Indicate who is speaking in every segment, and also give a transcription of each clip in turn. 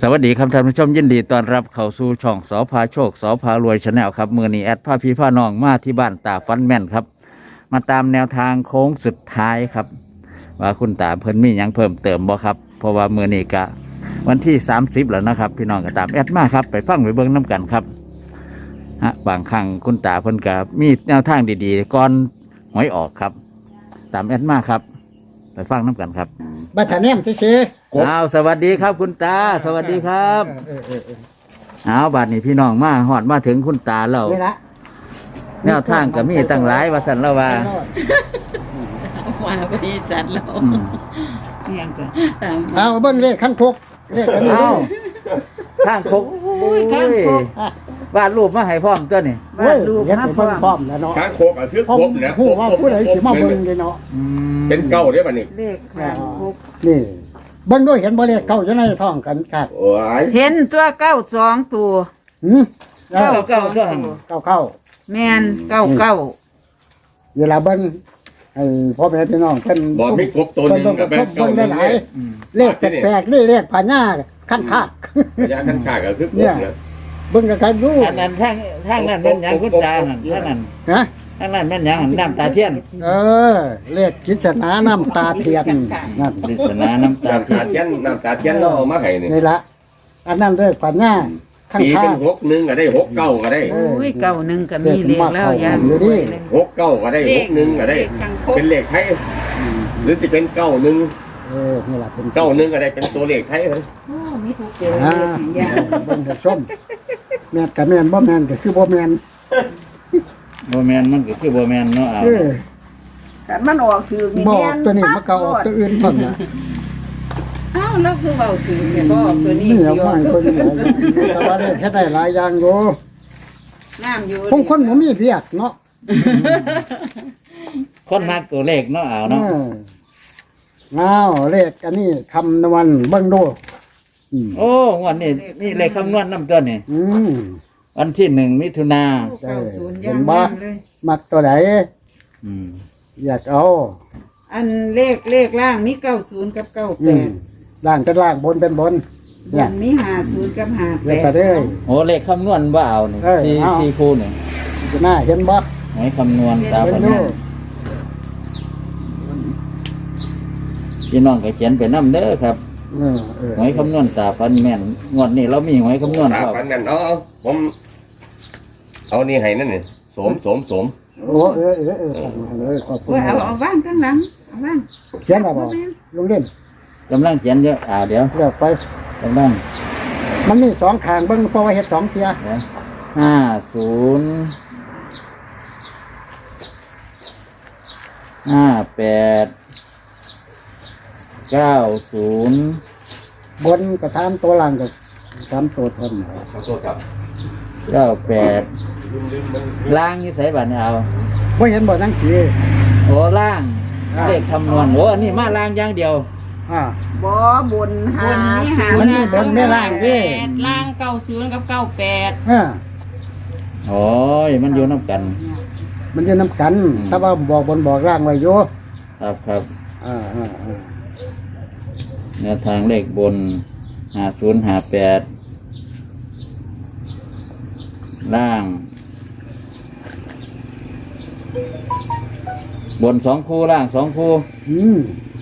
Speaker 1: วัสดีครับท่านผู้ชมยินดีต้อนรับเข้าสู่ช่องสพาโชคสพารวยชาแนลครับมือนี้แอดพาพี่พาน้องมาที่บ้านตาฟันแม่นครับมาตามแนวทางโค้งสุดท้ายครับว่าคุณตาเพิ่นมีหยังเพิ่มเติมบ่ครับเพราะว่ามือนี้กะวันที่30แล้วนะครับพี่น้องก็ตามแอดมาครับไปฟังไปเบิ่งน้กันครับบางครั้งคุณตาเพิ่นก็มีแนวทางดีๆก่อนหวยออกครับตามแอดมาครับไปฟังน้กันครับ
Speaker 2: บัตรแนมซื่อ
Speaker 1: อ้าวสวัสดีครับคุณตาสวัสดีครับเอาบัดนี้พี่น้องมาหอดมาถึงคุณตาแล้ว
Speaker 2: นี่ละ
Speaker 1: แนวทางก็มีตั้งหลายว่าสันละว่า
Speaker 3: มาพอดีจัดแล้ว
Speaker 1: อืม
Speaker 3: ยังก็
Speaker 2: เอาเบิ้งเลขขั้นพกเลขอันนี้
Speaker 1: เอาข้างคกโอ้ยวาดรูปมาให้พร้อมตัวนี่
Speaker 2: เว้ยเฮ็ดให้เบิ่งพร้อมแล้วเนาะ
Speaker 4: ช้างโคกอ่ะคือ
Speaker 2: ผม
Speaker 4: ครบนะ
Speaker 2: ฮู้ว่าผู้ใดสิมาเบิ่งเลยเนาะ
Speaker 1: อืม
Speaker 4: เป็นเก้าได้ป่ะนี่
Speaker 3: เลขข้างคุก
Speaker 2: นี่เบิ่งด้วยเห็นบ่เลขเก้าอยู่ในท้องกันกัด
Speaker 4: โอ้ย
Speaker 3: เห็นตัวเก้าสองตัว
Speaker 2: หืม
Speaker 1: เก้าเก้าตัวหัง
Speaker 2: เก้าเก้า
Speaker 3: แมนเก้าเก้า
Speaker 2: เวลาเบิ่งให้พ่อแม่พี่น้องเพิ่น
Speaker 4: บอกมีครบตัวหนึ่งกับแบ
Speaker 2: เพิ่
Speaker 4: บ
Speaker 2: น
Speaker 4: เก้า
Speaker 2: เบิ่ง
Speaker 4: ห
Speaker 2: ได้
Speaker 4: นึ่ง
Speaker 2: หลาย
Speaker 1: อืม
Speaker 2: เลขแปลกๆนี่เลขพญาขั้นคาด
Speaker 4: ระยะขั้นขาก็คือครบนะ
Speaker 2: เบิ่งกันดู
Speaker 1: อันนั้นทางนั้นเป็นหยังคุณตาหันทางนั้น
Speaker 2: ฮะ
Speaker 1: ทางนั้นเป็นหยังหันน้ำตาเทียน
Speaker 2: เลขกิจนาน้ำตาเทียนนั่น
Speaker 1: ปริศนาน้ำตา
Speaker 4: น้ำ
Speaker 1: เทีย
Speaker 4: ตาน เทียนน้ำตาเทียนเราเอามาให้นี่
Speaker 2: นี่ละอันนั้นเลขพญาขั้น
Speaker 4: ตี
Speaker 2: คา
Speaker 4: เป็น
Speaker 2: ด
Speaker 4: หกหนึ่งก็ได้หกเก้าก็ได้
Speaker 3: โอ้ยเก้าหนึ่งก็มีเลขแล้วยาม
Speaker 2: อยู่ดิ
Speaker 4: หกเก้าก็ได้หกหนึ่งก็ได้ เป็นเลขไทยหรือสิเป็นเก้าหนึ่ง
Speaker 2: นี่แหละเป็น
Speaker 4: เก้าหนึ่งก็ได้เป็นตัวเลขไทยเลย
Speaker 3: โอ้มีทุกเจอ
Speaker 2: อ่า
Speaker 3: เลขอย่าง
Speaker 2: เบิ่งให้ชมแม่นกับแม่นบ่แม่นก็คือบ่แม่น
Speaker 1: โบแมนมันก็คือโบแมนเนาะเอา
Speaker 2: เออ
Speaker 5: แต่มันออกถือมี
Speaker 2: บ่
Speaker 5: แม่น
Speaker 2: ตัวนี้มันก็ออกตัวอื่นพุ่นน่ะ
Speaker 3: อ้าวแล้วคือเบาถึงเนี่ยก็ตัวนี้
Speaker 2: นี่
Speaker 3: เดีย
Speaker 2: เอา
Speaker 3: ว
Speaker 2: มาให้เพิ่นแต่ว่าได้แค่ได้หลายอย่างอยู่
Speaker 3: น้ำอยู่
Speaker 2: คงคนบ่มีเพียกเนาะ
Speaker 1: คนมักตัวเลขเนาะเอา
Speaker 2: เอ
Speaker 1: เนาะ
Speaker 2: อ้าวเลขอันนี้คำนวณเบิ่งดูอืม
Speaker 1: โอ้งวันนี้นี่เลขคำนวณน้ำตัวนี่
Speaker 2: อืม
Speaker 1: วันที่1 มิถุนา
Speaker 3: เก้าศูนย์ย่างย่างเลย
Speaker 2: มักตัวไหน
Speaker 1: อืม
Speaker 2: อยากเอา
Speaker 3: อันเลขล่างมีเก้าศูนย์กับเก้า
Speaker 2: อื
Speaker 3: แป
Speaker 2: ม
Speaker 3: ด
Speaker 2: ล่างเป็นล่างบนเป็นบน
Speaker 3: บ
Speaker 2: เนี่ย
Speaker 3: นมีห้าศูนย์กับห้า
Speaker 2: เล
Speaker 3: แป
Speaker 2: ขกระ
Speaker 3: ด
Speaker 2: เด้ย
Speaker 1: โอ้เลขคำนวณว่าเอานี่
Speaker 2: เออ
Speaker 1: สี่
Speaker 2: เอา
Speaker 1: สี่คู่นี่
Speaker 2: จะหน้าเห็นบ่
Speaker 1: หวยคำนวณตา
Speaker 2: เบิ่
Speaker 1: พั
Speaker 2: ง
Speaker 1: น
Speaker 2: ดู
Speaker 1: พี่น้องก็เขียนไปน้ำเด้อครับ หวยคำนวณตาพันแม่นงวดนี้เรามีหวยคำนวณ
Speaker 4: ตา
Speaker 1: ครับ
Speaker 4: ฟันกันเอาผมเอานี่ให้นั่นนี่สม
Speaker 2: โอ้ขอบคุณ
Speaker 3: ว่าเอาว่างข้างหลังเอาว่าง
Speaker 2: เขียนอะไรบ่ลงเล่น
Speaker 1: กำลังเขียนเยอะเดี๋ยว
Speaker 2: เดี๋ยวไป
Speaker 1: กำลัง
Speaker 2: มันมีสองข้างเบิ่งเพราะว่าเฮ็ดสองเทีย
Speaker 1: เดี๋ยว50 58 90
Speaker 2: บนก็ตามตัวล่างก็ตามตัวทน
Speaker 4: ๆตัวกับ
Speaker 1: 98ล่างนี่ใส่บัตรเอา
Speaker 2: บ่เห็นบ่จังซี่
Speaker 1: โอ้ล่างเลขคำนวณโอ้อันนี้มาล่างอย่างเดียว
Speaker 2: อ่า
Speaker 5: บ่บนหา
Speaker 2: มันมีบนไม่ล่างดิ
Speaker 3: ล่างเก้าศูนย์กับเก้าแปด
Speaker 1: โอ้ยมันอยู่น้ำกัน
Speaker 2: มันอยู่นํกันแต่ว่าบอกบนบอกล่างไว้อยู่
Speaker 1: ครับ
Speaker 2: อ่า
Speaker 1: แนวทางเลขบน5058ล่าง บน2 คู่ล่าง2 คู่
Speaker 2: อืม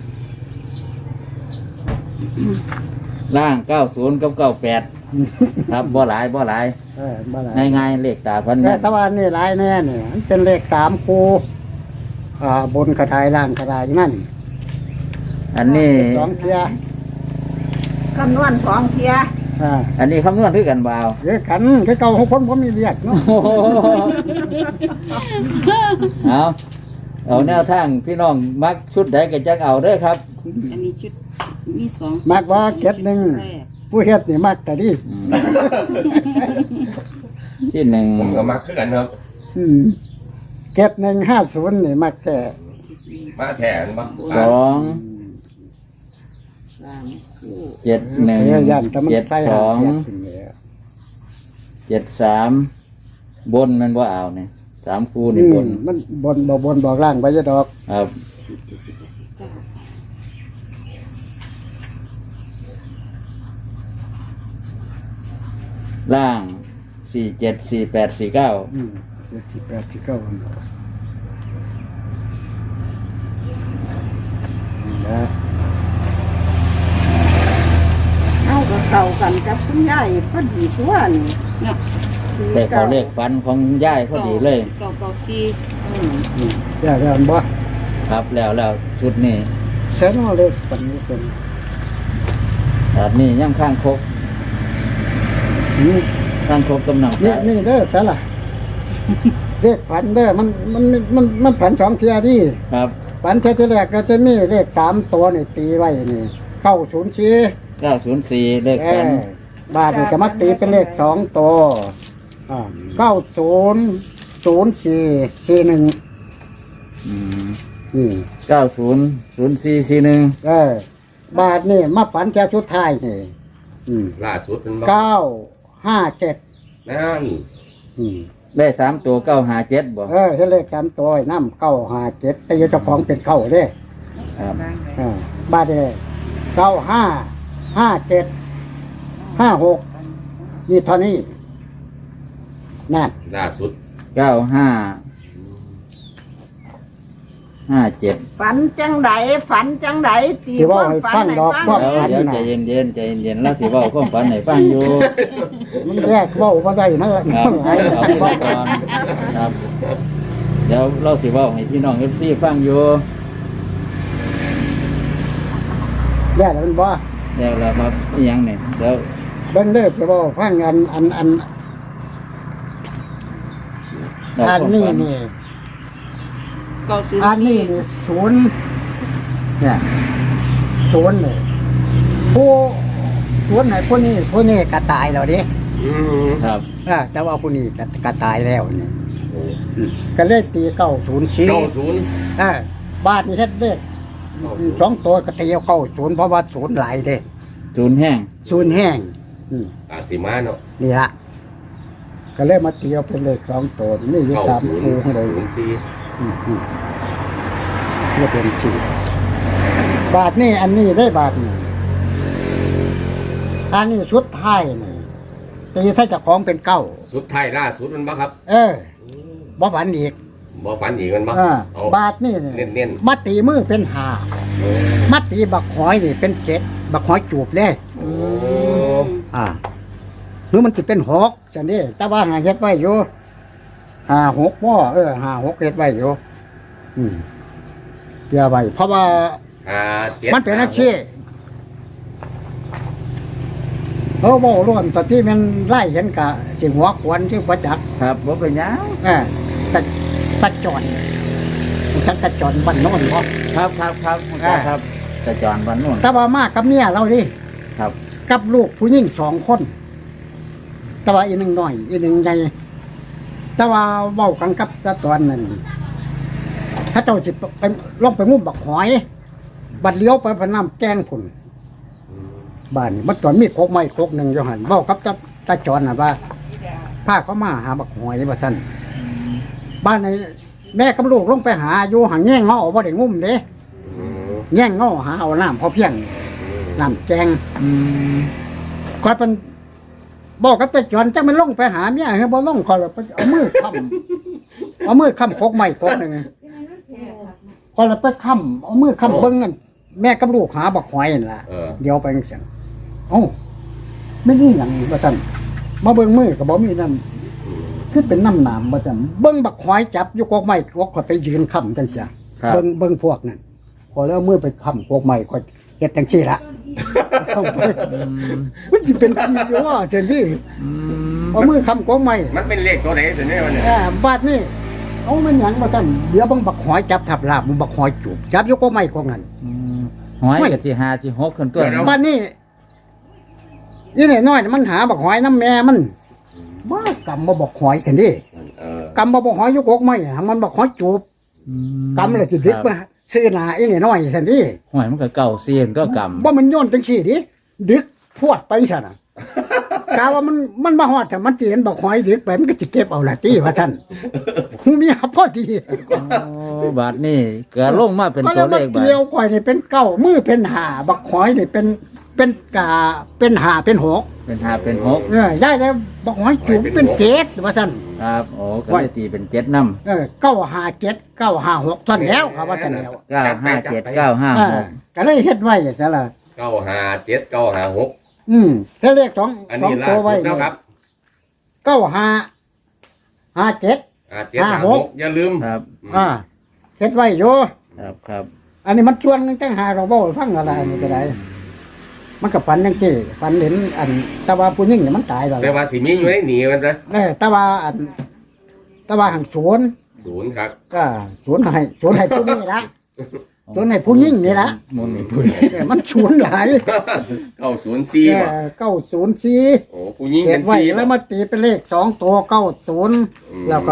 Speaker 1: ล่าง90กับ98ครับบ่หลาย
Speaker 2: บ่หลาย
Speaker 1: ง่ายๆเลขตาพัน
Speaker 2: แต่
Speaker 1: แม่น
Speaker 2: แต่ว่านี่หลายแน่นี่มันเป็นเลข3คู่บนกระทายล่างกระทายนั่น
Speaker 1: อันนี้
Speaker 2: สองเทีย
Speaker 5: คำนวณสองเทีย
Speaker 1: อันนี้คำนวณคือกันบ่าว
Speaker 2: เยอะกันคือเก่าของคนบ่มีเรียกเนาะ
Speaker 1: เอาแนวทางพี่น้องมักชุดใดก็จักเอาเด้อครับ
Speaker 3: อันนี้ชุดมีสอง
Speaker 2: มักว่าเก็ดหนึ่งผู้เฮ็ดนี่มักแต่ดิ
Speaker 1: อืมที่หนึ่ง
Speaker 4: ผมก็มาขึ้นกันครับ
Speaker 2: เก็ด150นี่มักแต่
Speaker 4: มาแทนบ้าง
Speaker 1: 2
Speaker 3: สามคู่
Speaker 1: 7 1
Speaker 2: ย่านแต่มันใส่หาเทียบ
Speaker 1: 7
Speaker 2: ขึ้นแล้ว
Speaker 1: 2 7 3บนมันบ่เอาเนี่ย3คู่นี่บน
Speaker 2: มันบนบอกล่างไว้จะดอก
Speaker 1: ครับ
Speaker 3: เ
Speaker 1: ล่างสี่เจ็ดสี่แปดสี่เก้า
Speaker 2: 7 8 9นะ
Speaker 5: เอาก็เข้ากันกับคุณยายพอดีตัวนี่
Speaker 3: เนาะ
Speaker 1: แต่เขาเลขฝันของย่ายพอดีเลย
Speaker 3: เก่าซี
Speaker 2: อย่าเรียนบ่
Speaker 1: ครับแล้วชุดนี้
Speaker 2: เส้นเอาเลยปันนี้เป็น
Speaker 1: แบบนี้ยังข้างคก
Speaker 2: นี่
Speaker 1: ข้างคกกำลัง
Speaker 2: นี่นี่เด้อซะล่ะเลขฝันเด้อมันฝันสองเทียที่
Speaker 1: ครับ
Speaker 2: ฝันเทียที่แรกก็จะมีเลข3ตัวนี่ตีไว้นี่904
Speaker 1: 904เลขฝัน
Speaker 2: บาทนี่ก็มาตีเป็นเลข2ตัว900441
Speaker 1: อืม
Speaker 2: นี่
Speaker 1: 900441
Speaker 2: บาทนี่มาฝันแค่ชุดท้ายนี่
Speaker 4: ล่าสุดเป็นบ่
Speaker 2: 957
Speaker 4: นั่น
Speaker 1: ได้3ตัว957บ่
Speaker 2: เฮ็ดเลข3ตัวน้ำ957ตีเจ้าของเป็นเก้าเด้
Speaker 1: ครับ
Speaker 2: บาทนี่9557 56นี่เท่านี้นั่น
Speaker 4: ล่าสุด
Speaker 1: 9557
Speaker 5: ฝันจังไดฝันจังไดตี
Speaker 2: ที่
Speaker 5: ค
Speaker 2: ว่า
Speaker 5: วาม
Speaker 2: ให้
Speaker 5: ฝัน
Speaker 2: ฟัง
Speaker 5: ให้
Speaker 2: ดอก
Speaker 5: ฟัง
Speaker 2: ว่า
Speaker 1: เดี๋ยวใจเย็นแล้วสิเว้าความฝันให้ฟังอยู่
Speaker 2: มันแยกเว้าบ่ได้มัน
Speaker 1: ครับ
Speaker 2: หาย
Speaker 1: เอาไปก่อนครับเดี๋ยวเราสิเว้าให้พี่น้อง FC ฟังอยู่
Speaker 2: แยกแล้วมันบ่
Speaker 1: แล้วเรามาอีหยังนี่เดี๋ยว
Speaker 2: เบิ่งเด้อสิเว้าฟังอัน
Speaker 1: เรา
Speaker 2: อัน
Speaker 1: ความ
Speaker 2: นี้
Speaker 1: ฝัน
Speaker 2: นี่
Speaker 3: เก่าซี
Speaker 2: อันนี้นี่ศูนย์เนี่ยศูนย์เลยผู้ศูนย์ไหนผู้นี้ก็ตายแล้วดิ
Speaker 4: อืม
Speaker 1: ครับ
Speaker 2: แต่ว่าผู้นี้ก็ตายแล้วนี่ก็เลยตี904
Speaker 4: 90
Speaker 2: บาทนี่เฮ็ดเด้2ตัวก็ตีเอา90เพราะว่าศูนย์หลายเด้
Speaker 1: ศูนย์แห้ง
Speaker 2: ศูนย์แห้ง
Speaker 4: อาจสิมาเนาะ
Speaker 2: นี่ละก็เลยมาตีเอาเป็นเลข2ตัวนี่อยู่3คู่ให้ได้
Speaker 4: 9004
Speaker 2: เพื่อเป็นสี่บาทนี่อันนี้ได้บาทนี่อันนี้ชุดไทายนี่ตีใส่เจากของเป็นเก้า
Speaker 4: สุดท้ายล่าสุดมันบ่ครับ
Speaker 2: บ่ฝันอีก
Speaker 4: บ่ฝันอีกมันบ่เอา
Speaker 2: บาทนี่
Speaker 4: เน้น
Speaker 2: มาตีมือเป็นห้ามาตีบักหอยนี่เป็น7บักหอยจูบเลย
Speaker 4: โอ้
Speaker 2: หรือมันจะเป็น6จังนี้แต่ว่าหาเฮ็ดไว้อยู่6บ่5 6เฮ็ดไว้อยู่เดี๋ยวไว้เพราะว่า
Speaker 4: 57
Speaker 2: มันเป็นอาชีพบอกร่วมตอนที่มันไล่เห็นกะสิหัวขวนชื่อประจักษ์
Speaker 1: ครับบ่เป็นหยัง
Speaker 2: ตะจอนจักตะจอนบ้านโน้นบ่
Speaker 1: ครับครับจะจอนวันนู้น
Speaker 2: แต่ว่ามากกับเมียเราดิ
Speaker 1: ครับ
Speaker 2: กับลูกผู้หญิง2 คนแต่ว่าอีหนึ่งน้อยอีหนึ่งใหญ่แต่ว่าเว้ากันกับตะตอนนั้นถ้าเจ้าสิไปลองไปงุ่มบักหอย บัดเลี้ยวไปพะน้ำแกงพุ่นบ้านนี่มันตอนมีโคกไม้โคกหนึ่งอยู่หันเว้ากับตาจอนน่ะว่าพาเขามาหาบักหอยว่าซั่นบ้านในแม่กับลูกลงไปหาอยู่หางแง่งเงาบ่ได้งุ่มเด้
Speaker 4: อืม
Speaker 2: แง่งเงาหาเอาน้ำพอเพียงน้ำแกงคอยเป็นบอกกับตาจอนจังมันลงไปหาเมียเฮาบ่ลงคอยไปเอามือค้ำโคกไม้โคกหนึงคอยไปค้ำเอามือค้ำเบิ่งนั่นแม่กับลูกหาบักหอยนั่นล่ะ เดี๋ยวไปจังซั่นไม่นี่หยังว่าซั่นมาเบิ่งมือก็บ่มีน้ำคือเป็นน้ำหนามว่าซั่นเบิ่งบักหอยจับอยู่กอกไม้กอกก็ไปยืนค้ำจังซี่
Speaker 1: ครับ
Speaker 2: เบิ่งพวกนั้นพอแล้วมือไปค้ำกอกไม้ก็เฮ็ดจังซี่ละเข้าไปมันสิเป็นชีอยู่ว่าจังซี่เอามือค้ำกอกไม้
Speaker 4: มันเป็นเลขตัวไหนตัวนี้วะเนี่ย
Speaker 2: บาดนี้เอามันหยังว่าซั่นเดี๋ยวเบิ่งบักหอยจับทับลาบมันบักหอยจูบจับอยู่กอกไม้กอกนั้น
Speaker 1: หอยกับสิ5สิ6ขึ้นตัว
Speaker 2: บ้านนี้ยี่นี่น้อยมันหาบักหอยน้ำแม่มันบ้ากำมาบักหอยสินี่
Speaker 4: เออก
Speaker 2: ำมาบักหอยอยกอกไม่หามันบักหอยจูบกำเลยสิดึกมาซื้อหนายี่นี่น้อยสินี่
Speaker 1: หอยมันก็เก่าเสียนก็กำ
Speaker 2: ว่ามันโย้อนจังสี่ดิดึกพวดไปซะน่ะกาว่ามันมาฮอดแต่มันสิเห็นบักหอยดึกไปมันก็สิเก็บเอาละติว่าท่านหูมีพอดี
Speaker 1: โอ้บาทนี่เกิดลงมาเป็นตัวเลข
Speaker 2: เกี่ยวข่อยนี่เป็นเก้ามือเป็นห้าบักหอยนี่เป็นเป็นกาเป็นหาเป็นหก
Speaker 1: เป็น5เป็น6
Speaker 2: ย้ายแล้วบอกหอยจุ๋มเป็นเจ็ดว่าซั่น
Speaker 1: ครับโอ้ก็เลยตีเป็น7นำ
Speaker 2: 957 956ท่อนแล้วครับว่าซั่นแล้ว
Speaker 1: 957 956
Speaker 2: ก็เลยเฮ็ดไว้ซะล่ะ
Speaker 4: 957 956
Speaker 2: เฮ็ดเลขสอง
Speaker 4: อัน
Speaker 2: สอง
Speaker 4: นี้ล่า
Speaker 2: ตัว
Speaker 4: สุ
Speaker 2: ไว้
Speaker 4: ดแล้วครับ
Speaker 2: 9557
Speaker 4: 756อย่าลืม
Speaker 1: ครับ
Speaker 2: เฮ็ดไว้อยู่
Speaker 1: ครับ
Speaker 2: อันนี้มันชวนจังหาเราบ่ฟังอะไรนี่ก็ได้มันก็ฝันจังซี่ฝันเห็นอันแต่ว่าผู้หญิงนี่มันตายแล้ว
Speaker 4: แต่ว่าสิมีอยู่ในหนีมันนะ
Speaker 2: แต่ว่าอันแต่ว่าหังสวน
Speaker 4: 0ครับ
Speaker 2: ก็สวนให้ผู้นี้ละสวนให้ผู้หญิงนี่ละ
Speaker 1: มุนนี่พูด
Speaker 2: มันสวนหลาย
Speaker 4: 904บ่
Speaker 2: 904
Speaker 4: โอ้ผู้หญิง
Speaker 2: เก็
Speaker 4: เป็
Speaker 2: บ
Speaker 4: น
Speaker 2: ไว้
Speaker 4: 4
Speaker 2: แล้ว
Speaker 4: บ่
Speaker 2: มาตีเป็นเลข2ตัว90แล้วก็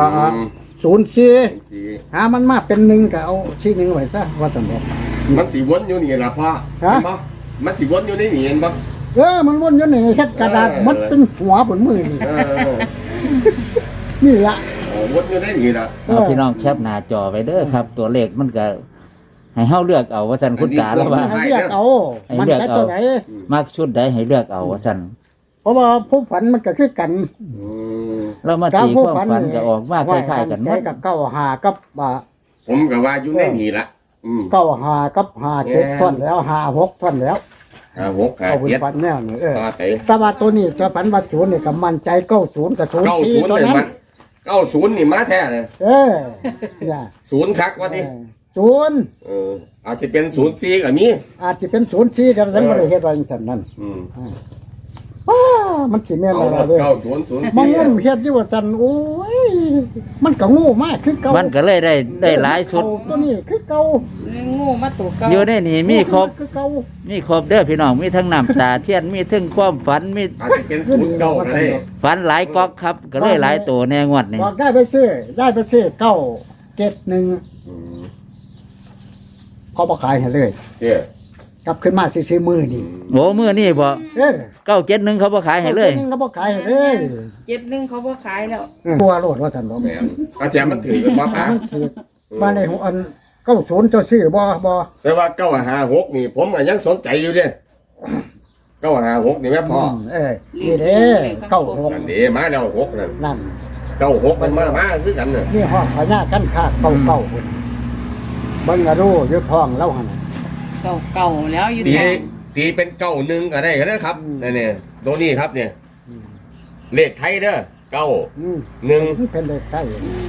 Speaker 2: 04หามันมาเป็น1ก็เอาชี้1ไว้ซะว่าซั่นบ่
Speaker 4: มันสิวนอยู่นี่ล่ะพ่อ
Speaker 2: ฮะ
Speaker 4: เห็นบ่มันสิวนอยู่ในนี่เห็นบ่
Speaker 2: มันวนอยู่นี่เฮ็ดกระดาษมันเป็นหัวบนมือนี่
Speaker 4: เออ
Speaker 2: นี่ละ
Speaker 4: โอ้วนอยู่ในนี่ล่ะ
Speaker 1: เอาพี่น้องแคปหน้าจอไว้เด้อครับ ตัวเลขมันก็ให้เฮาเลือกเอาว่าซั่นคุณตาแล้วว่า
Speaker 2: ให้เรียกเอา
Speaker 1: ให้
Speaker 2: มัน
Speaker 1: เลือก
Speaker 2: ใจ
Speaker 1: เอา
Speaker 2: ตัวไหน
Speaker 1: มักชุดใดให้เลือกเอาว่าซั่น
Speaker 2: เพราะว่าผู้ฝันมันก็คือกัน
Speaker 4: อืม
Speaker 1: เรามาตีความฝันก็ออกมาคล้ายๆกันหม
Speaker 2: ใจ
Speaker 1: ด
Speaker 2: กับ95กับ
Speaker 4: ผมก็ว่าอยู่ในนี่ล่ะ
Speaker 2: 95กับ57ท่อนแล้ว56ท่อนแล้ว
Speaker 4: 56
Speaker 2: เอาเป็น
Speaker 4: 57
Speaker 2: ฝันแนวนี่
Speaker 4: ต่อไป
Speaker 2: แต่ว่าตัวนี้ตัวฝันว่า0นี่ก็มั่นใจ90กับ04
Speaker 4: 90
Speaker 2: ตัว
Speaker 4: เลย
Speaker 2: นั้น
Speaker 4: มัน90นี่มาแท้เลย
Speaker 2: เนี่ย
Speaker 4: 0คักว่าติ
Speaker 2: 0
Speaker 4: อาจจะเป็น04ก็มี
Speaker 2: อาจจะเป็น04กันซั่นบ่ได้เฮ็ดไว้จังซั่นนั่น
Speaker 4: อืม
Speaker 2: มันสิแม่น
Speaker 4: เอา
Speaker 2: อะไร
Speaker 4: รถ
Speaker 2: เด้ มันงม
Speaker 4: 9004
Speaker 2: เฮ็ดอยู่ว่าซั่นโอ้ยมันก็โง่มากคือเก่า
Speaker 1: มันก็เลยได้หลายชุด
Speaker 2: ตัวนี้คือเก่า
Speaker 3: งูมาตัวเก่า
Speaker 1: อยู่ในนี่มีครบ
Speaker 2: คือเก่า
Speaker 1: มีครบเด้อพี่น้องมีทั้งน้ำตาเทียนมีทั้งความฝันมี
Speaker 4: อาจจะเป็น09ก็ได้
Speaker 1: ฝันหลายก๊อกครับ ก็เลยหลายตัวแน่งวดนี่
Speaker 2: บอกได้ไปซื้อเก้าเจ็ดหนึ่ง
Speaker 4: อืม
Speaker 2: เขาบ่ขายให้เลย
Speaker 4: เด้อก
Speaker 2: ลับขึ้นมาซื้อมือนี่
Speaker 1: โอ้มื้อนี่บ่
Speaker 2: เออ
Speaker 1: 971เขาบ่ขายให้เลย
Speaker 2: จ็ดหนึ่งเขาบ่ขายให้เลย
Speaker 3: 71เขาบ่ขายแล้ว
Speaker 2: ตัวโลดว่าซั่นบ่
Speaker 4: แม่นอาจารย์มันถือกันบ่ปะ
Speaker 2: มันถือมาในหัวอัน90เจ้าซื้อบ่
Speaker 4: แต่ว่า956นี่ผมก็ยังสนใจอยู่เด้956นี่แม่พ่อ
Speaker 2: นี่เด้96
Speaker 4: นั่นเด้มาแล้ว6นั่น
Speaker 2: นั่น
Speaker 4: 96มันมาคือกันน่ะ
Speaker 2: นี่ห้องพญากันคา99พุ่นเบิ่งอะรู้อยู่ท้องเราหั่นน่ะ
Speaker 3: เก่าแล้วอยู่
Speaker 4: ตีเป็น91ก็ได้ก็ได้ครับนี่ตัวนี้ครับเนี่ยเลขไทยเด้อ9
Speaker 2: อืม
Speaker 4: 1
Speaker 2: มันเป็นเลขใต้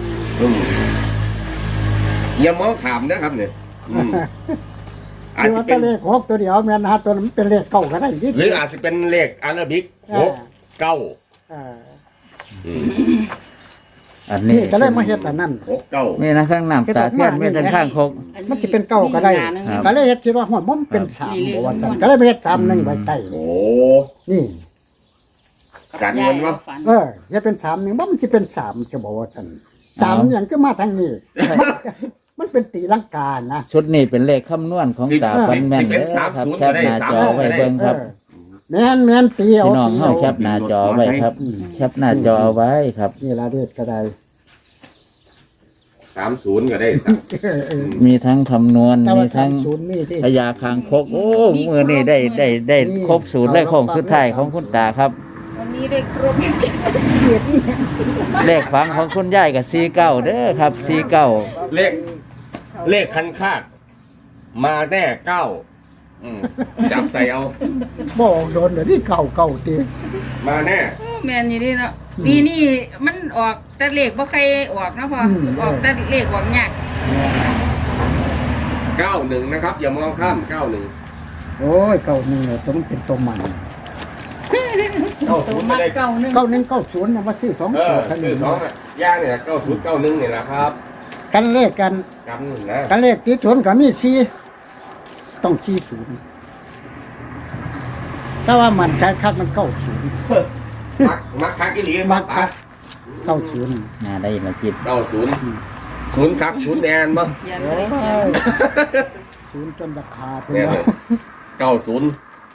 Speaker 4: อย่ามองถามนะครับเนี่ยอาจ
Speaker 2: คือ
Speaker 4: จะ
Speaker 2: ว่า
Speaker 4: เป็
Speaker 2: ตัวน เลข6ตัวเดียวแม่นนะตัวนั้นมันเป็นเลขเก้าก็ได้ดิ
Speaker 4: หรืออาจจะเป็นเลขอาราบิก6 9
Speaker 2: อ่า
Speaker 1: อันนี้
Speaker 2: นี่ก็เลยมาเฮ็ดอันนั้น
Speaker 4: 6 9
Speaker 1: มีนะข้างน้ำตาเทียนมีทั้งข้างคก
Speaker 2: มันจะเป็นเก้าก็ได้
Speaker 1: ครับ
Speaker 2: ก็เลยเฮ็ดคิดว่าหัวมันเป็นสามบ่ว่าซั่นก็เลยไปเฮ็ด3-1ไว้ใต้
Speaker 4: โอ้
Speaker 2: นี่
Speaker 4: กันเงินวะ
Speaker 2: เฮ็ดเป็น3-1บ่มันสิเป็น3จะบอกว่าซั่น3อย่างคือมาทางนี้ มันเป็นตีลังกานะ
Speaker 1: ชุดนี้เป็นเลขคำนวณของตาฟันแม่นเด้อครับแคปหน้าจอไว้เบิ่งครับ
Speaker 2: แม่นตีเอา
Speaker 1: พี่น้องเฮาแคปหน้าจอไว้ครับ แคปหน้าจอไว้ครับ
Speaker 2: นี่ล่ะเด็ดก็ได้
Speaker 4: 30ก็ได้สัก
Speaker 1: มีทั้งคำนวณ
Speaker 2: แต่
Speaker 1: มี
Speaker 2: ว่า
Speaker 1: ทั้ง
Speaker 2: 30นี่ที่
Speaker 1: พยาคางคกโอ้มือนี่ได้ครบสูตรเลขของสุดท้ายของคุณตาครับ
Speaker 3: วันนี้ได้ครบ
Speaker 1: เลขฝังของคุณยายกับ49เด้อครับ49
Speaker 4: เลขคันคาดมาแน่จับใส่เอา
Speaker 2: บ่โดนเดี๋ยวนี้เก่าตี
Speaker 4: มาแน่
Speaker 3: แม่นอยู่นี่เนาะปีนี้มันออกแต่เลขบ่ใครออกนะพ่อออกแต่เลขออกยาก
Speaker 4: 91นะครับอย่ามองข้าม91
Speaker 2: โอ้ยเก่านี่ตัวมันเป็นตัวมัน
Speaker 3: ตัวมัดเก่านึง
Speaker 2: 9190น่ะว่าซื้อ2
Speaker 4: เอ
Speaker 2: ตัว
Speaker 4: อ
Speaker 2: เท่า
Speaker 4: คือ
Speaker 2: นี้
Speaker 4: สองอ่ะย่างเนี่ย9091นี่แหละครับ
Speaker 2: กันเลขกัน
Speaker 4: กันนะ
Speaker 2: กันเลขที่สวนก็มี4ต้อง40แต่ว่ามันใจคักมัน90
Speaker 4: มักคักอีหลี
Speaker 2: มักคัก90
Speaker 1: น่าได้มาคิด
Speaker 4: 90คัก0แดนบ่
Speaker 3: ยันบ่ได้ยัน
Speaker 2: ศูนย์จนราคาเป็น
Speaker 4: เนี่ย
Speaker 2: ว่า
Speaker 4: 90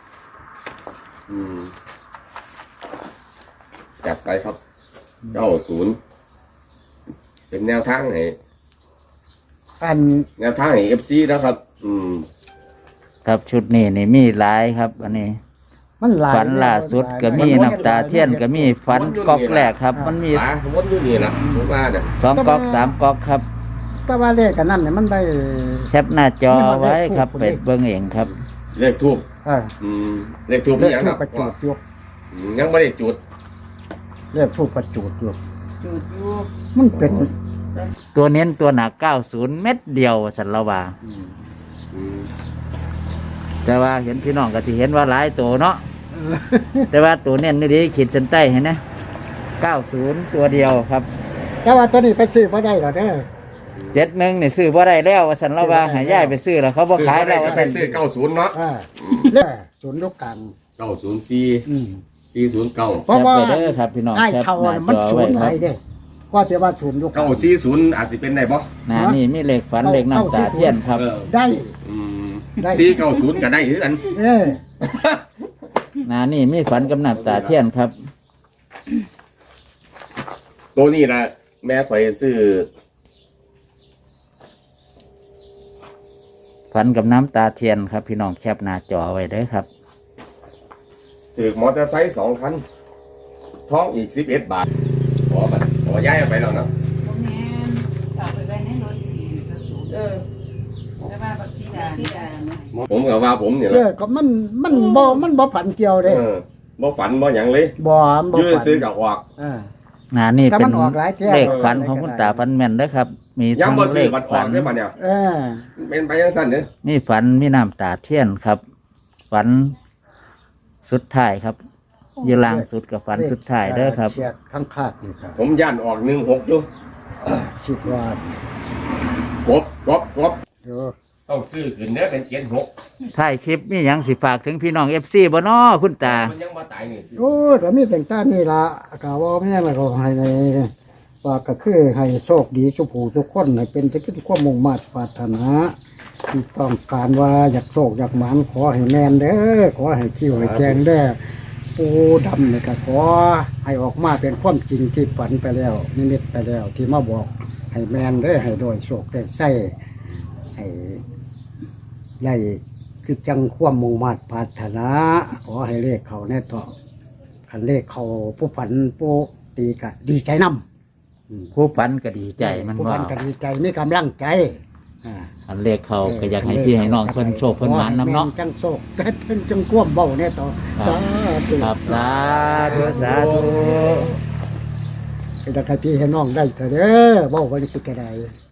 Speaker 4: จับไปครับ90เป็นแนวทางไหน
Speaker 2: อัน
Speaker 4: แนวทางไหน FC แล้วครับ
Speaker 1: ครับชุดนี้นี่มีหลายครับ อันนี้
Speaker 2: มันหลาย
Speaker 1: ฝันล่าสุดก็มีน้ำตาเทียนก็มีฝันก๊อกแรกครับ มันมี
Speaker 4: หลายวนอยู่นี่ล่ะผมว่าน่ะ
Speaker 1: 2ก๊อก3ก๊อกครับ
Speaker 2: แต่ว่าเลขกันนั่นเนี่ยมันได้
Speaker 1: แคปหน้าจอไว้ครับเป็ดเบิ่งเองครับ
Speaker 4: เลขทูบ
Speaker 2: เออ
Speaker 4: เลขทูบ
Speaker 2: เล
Speaker 4: นี่
Speaker 2: ข
Speaker 4: ยัง
Speaker 2: ทู
Speaker 4: ค
Speaker 2: ป
Speaker 4: รับ
Speaker 2: ประจูดอยู่
Speaker 4: ยังไม่ได้จุด
Speaker 2: เลขทูปประจูดอยู่
Speaker 3: จุดอยู่
Speaker 2: มันเป็น
Speaker 1: ตัวเน้นตัวหนัก90 เม็ดเดียวสันละว่า แต่ว่าเห็นพี่น้องก็สิเห็นว่าหลายตัวเนาะ แต่ว่าตัวเน้นนี่ดีขีดเส้นใต้เห็นนะ90 ตัวเดียวครับ
Speaker 2: แต่ว่าตัวนี้ไปซื้อบ่ได้หรอกเด้อ
Speaker 1: 71นี่ซื้อบ่ได้แล้วว่าสันละว่าให้ย้ายไปซื้อแล้วเขาบ่ขายแล้วว่า
Speaker 4: ไป
Speaker 1: ซั่น
Speaker 4: ซื้อ90เนาะ
Speaker 2: เลขศูนย์ลูกกลาง
Speaker 4: 904
Speaker 2: อืม
Speaker 4: 409
Speaker 2: เพราะว่า
Speaker 1: แคปไปเด้อครับพี่น้อง
Speaker 2: ไอ้
Speaker 1: แคป
Speaker 2: เท่า
Speaker 1: หน้า
Speaker 2: น่ะมัน
Speaker 1: จอ
Speaker 2: ศู
Speaker 1: ไว้
Speaker 2: นย์
Speaker 1: ค
Speaker 2: ไหน
Speaker 1: รับ
Speaker 2: เด้ก็จะว่าศูนย์ลูกกลาง
Speaker 4: 940อาจสิเป็นได้บ่
Speaker 1: หน้านี่มีเลขฝันเลขน้ำตาเทียนครับ
Speaker 2: ได้ ได้
Speaker 4: 490ก็ได้คือกัน
Speaker 2: เออ
Speaker 1: หน้านี่มีฝันกับน้ำตาเทียนครับ
Speaker 4: ตัวนี้นะแม่ไปซื้อ
Speaker 1: ฝันกับน้ำตาเทียนครับ พี่น้องแคปหน้าจอไว้เด้อครับ
Speaker 4: ถือมอเตอร์ไซค์2คันท้องอีก11 บาทขอย้ายเอาไปแล้วนะ
Speaker 3: บ่แม่นเอาไปไว้ในรถอีกก็สูงแต่ว่าบักทีดานะ
Speaker 4: ผมก็ว่าผมเนี่ย
Speaker 2: เออก็มันบ่ผันเกี่ยวเด้
Speaker 4: บ่ฝันบ่หยังเลย
Speaker 2: บ่
Speaker 4: ยื้อ
Speaker 2: ผัน
Speaker 4: ซื้อกับออก
Speaker 2: เออ
Speaker 1: หน้านี่
Speaker 2: แต่
Speaker 1: เป็
Speaker 2: มัน นออกหลายเที่ยว
Speaker 1: เลขฝันของคุณตาฝันแม่นเด้อครับ มี
Speaker 4: ยัง
Speaker 1: ทั้ง
Speaker 4: บ่
Speaker 1: เล
Speaker 4: ซื้อ
Speaker 1: ข
Speaker 4: บัตรออ
Speaker 1: ฝั
Speaker 4: ก
Speaker 1: น
Speaker 4: ได้ป่ะเนี่ย
Speaker 2: เออ
Speaker 4: เป็นไปยังสั้นเนี่ย
Speaker 1: มีฝันมีน้ำตาเทียนครับ ฝันสุดท้ายครับอยืล่างสุดกับฝันสุดท้ายเด้อครับ
Speaker 2: เขียดข้างคาดนี่ครับ
Speaker 4: ผมย่านออก16อยู่
Speaker 2: คิดว่าก
Speaker 4: บ
Speaker 2: เดี๋ยว
Speaker 4: ต้องซื้อขึ้นเด้อเป็น76
Speaker 1: ท้ายคลิปมีหยังสิฝากถึงพี่น้อง FC บ่น้อคุณตา
Speaker 4: มันยังบ่ตายนี่สิ
Speaker 2: โอ้แต่มีแต่งตานี่ล่ะกะว่าแม่นแล้วก็ให้ในว่าก็คือให้โชคดีสุผู้ทุกคนให้เป็นจะคิดความมุ่งมั่นปรารถนาที่ต้องการว่าอยากโชคอยากหมานขอให้แม่นเด้อขอให้คิวให้แจงเด้อปูดำนี่ก็ขอให้ออกมาเป็นความจริงที่ฝันไปแล้วนิมิตไปแล้วที่มาบอกให้แม่นเด้อให้โดยโชคได้ใส่ให้ได้คือจังความมุ่งมั่นปรารถนาขอให้เลขเขาแน่ต่อคันเลขเขาผู้ฝันผู้ตีกะดีใจนำ
Speaker 1: ผู้ฝันก็ดีใจมัน
Speaker 2: ผู้
Speaker 1: ว่า
Speaker 2: ฝันก็ดีใจมีกำลังใจอ่า
Speaker 1: อันเลขเขาก็อยากให้พี่ให้น้องเพิ่นโชคเพิ่นหมานนํเนาะ
Speaker 2: แม่จังโชคและเพิ่นจังความเบ้าแน่ต่อสาธุ
Speaker 1: ครับสาธุสาธุ
Speaker 2: ให้ได้พี่ให้น้องได้เถอะเด้อเบ้าวันสิกระได